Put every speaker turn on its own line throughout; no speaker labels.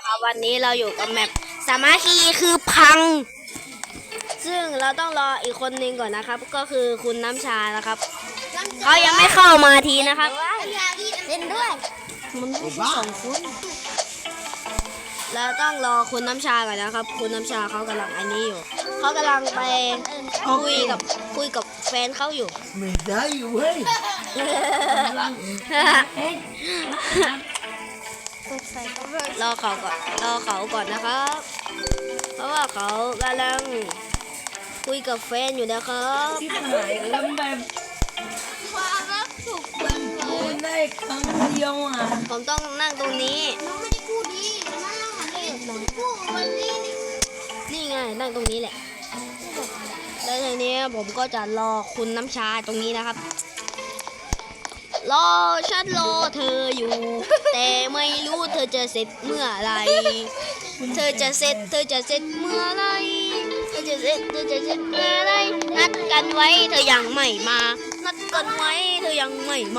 นะครับวันนี้เราอยู่กับแมปสามัคคีคือพังซึ่งเราต้องรออีกคนนึงก่อนนะครับก็คือคุณน้ำชานะครับเขายังไม่เข้ามาทีนะครับ
เล่นด้วย
มันสองคนเราต้องรอคุณน้ำชาก่อนนะครับคุณน้ำชาเขากำลังอันนี้อยู่เขากำลังไปคุยกับแฟนเขาอยู่
ไม่ได้เว้ย
รอเขาก่อนนะครับเพราะว่าเขากำลังคุยกับแฟนอยู่นะครับ
ที่หายแล้วแบบ
ความรักสุขมัน
พูดได้ครั้งเดียวอ่ะ
ผมต้องนั่งตรงนี้
น้องไม่ได้พูดดีมานั่งหันนี้พูดวันนี้
นี่ไงนั่งตรงนี้แหละแล้วทีนี้ผมก็จะรอคุณน้ำชาตรงนี้นะครับฉันรอเธออยู่ แต่ไม่รู้เธอจะเสร็จเมื่อไรเธอจะเสร็จเมื่อไรเธอจะเสร็จเมื่อไรนัดกันไว้เธอยังไม่มานัดกันไว้เธอยังไม่ม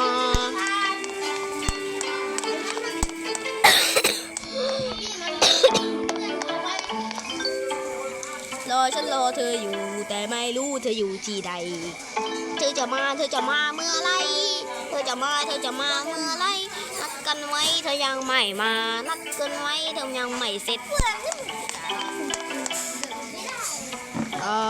ฉันรอเธออยู่แต่ไม่รู้เธออยู่ที่ใดเธอจะมาเมื่อไรเธอจะมาเมื่อไรนัดกันไว้เธอยังไม่มานัดกันไว้เธอยังไม่เสร็จโอ้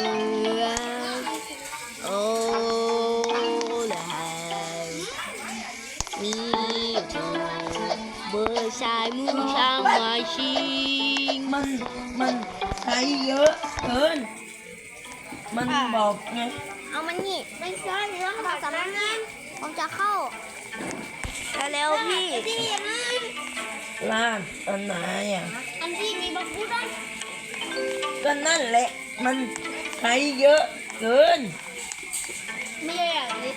แล้วมีเธอเบอร์ชายมือช่างมาชิง
มันใช้เยอะเกินมันบอกไง
เอามันนี่
ไม่ใช่เรื่องภาษาอังกฤษ
ผมจะเข้าแล้วพี่
ร้านอันไหนอ่ะ
อันที่มีบักพูดได้
ก็นั่นแหละมันใช้เยอะเกิน
ไม่ใช่อย่างนี้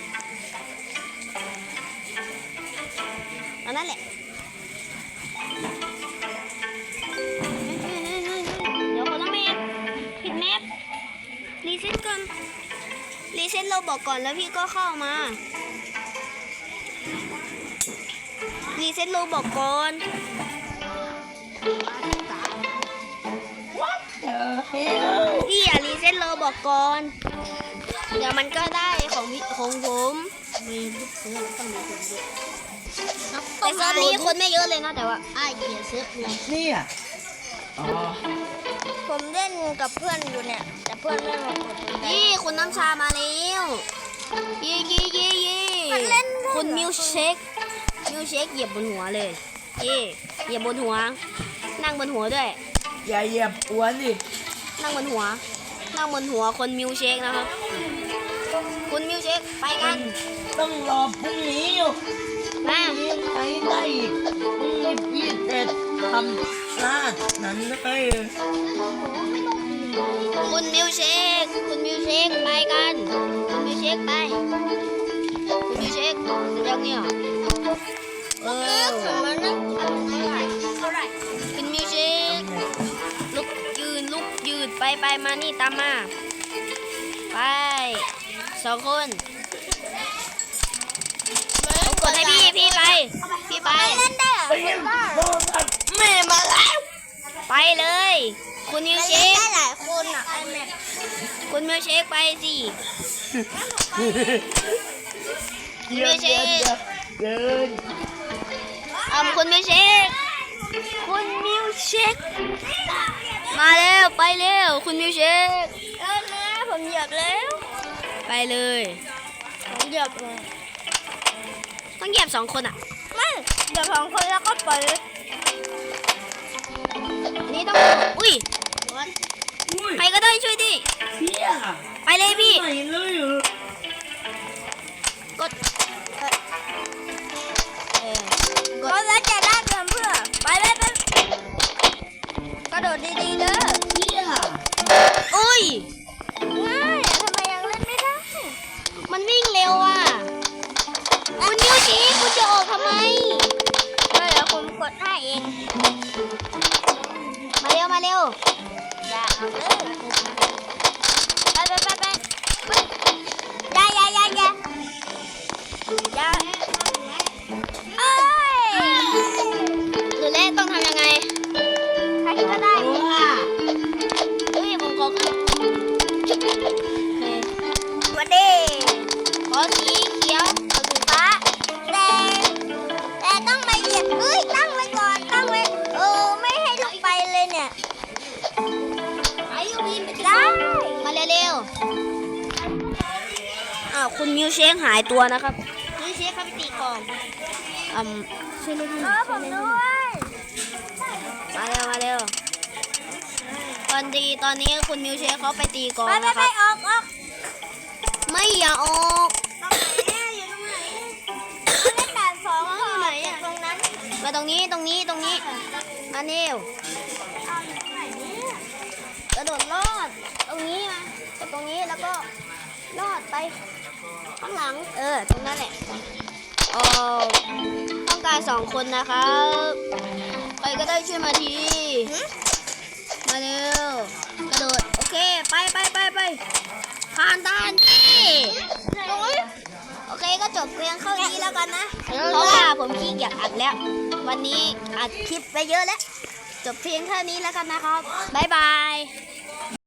อันนั้นแหละเดี๋ยวคนละแมปผิดแมปรีเซ็ตก่อนรีเซ็ตเราบอกก่อนแล้วพี่ก็เข้ามารีเซ็ตเราบอกก่อนพี่อย่ารีเซ็ตเราบอกก่อนเดี๋ยวมันก็ได้ของผมแต่เซิร์ฟนี้คนไม่เยอะเลยนะแต่ว่า
เกียร์เซิร์ฟเลย
นี่อ่ะอ๋อ
ผมเล่นกับเพื่อนอยู่เนี่ยแต่เพื่อนไม่มากด
นี่คุณน้ำชามาแล้วยี่คุณมิวเชคเหยียบบนหัวเลยเหยียบบนหัวนั่งบนหัวด้วย
อย่าเหยียบอ้วนดิ
นั่งบนหัวคนมิวเชคนะครับคุณมิวเชคไปกัน
ต้องรอพรุ่งนี้อยู่
มา
ใช้ได้พรุ่งนี้พี่เสร็จทำร้านนั้นได้
คุณมิวเชคไปกันคุณมิวเชคไปคุณมิวเชคยังเนี่ยคุณมิวเชคลุกยืนไปมานี่ตามมาไป2 คนกดให้พี่ไป
แม่มาแล้ว
ไปเลยคุณมิวเชค
ได้หลายคนอ่ะไอแมป
คุณมิวเชคไปสิคุณมิวเชค
เดิน
คุณมิวเชคมาแล้วไปเร็วคุณมิวเชค
นะผมเหยียบแล้ว
ไปเลย
ผมเหยียบเลย
ต้องเหยียบ2 คนอ่ะ
ไม่เหยียบ2 คนแล้วก็ปล่อย
นี่ต้องอุ้ยใครก็ได้ช่วยดิไปเลยพี่กด
แล้วจะได้เพื่อไปกระโดดดีๆเด้อ
อุ้ย
ง่ายทำไมยังเล่นไม่ได้
มันวิ่งเร็วอ่ะคุณมิวเชคคุณจะออกทำไม
เดี๋ยวผมกดให้เอง
มาเร็ว
อย่าเอาเลยไปอย่า
หรือแรกต้องทำยังไงคุณมิวเชคหายตัวนะครับ
มิวเชคเขาไปตีกลอง
ช่วยเล่นให้ห
เอ
น่อย
อผมด้วย
มาเร็วมาเร็วตอนนี้คุณมิวเชคเขาไปตีกลอง
ไป
นะครับ
ออก
ไม่อย่าออก
ตรงไหนอะอยู่ตรงไหนเล่นด่านสองอยู่ไหนอะตรงนั้น
มาตรงนี้มาเร็ว
เอาอยู่ตรงไหนเนี่ย
กระโดดลอดตรงนี้มาตรงนี้แล้วก็ลอดไปข้างหลังตรงนั้นแหละต้องการ2 คนนะครับใครก็ได้ช่วยมาทีมาเร็วกระโดดโอเคไปผ่านด่านนี่โอเคก็จบเพียงเท่านี้แล้วกันนะเพราะว่าผมขี้เกียจอัดแล้ว วันนี้อัดคลิปไปเยอะแล้ว จบเพียงเท่านี้แล้วกันนะครับบ๊ายบาย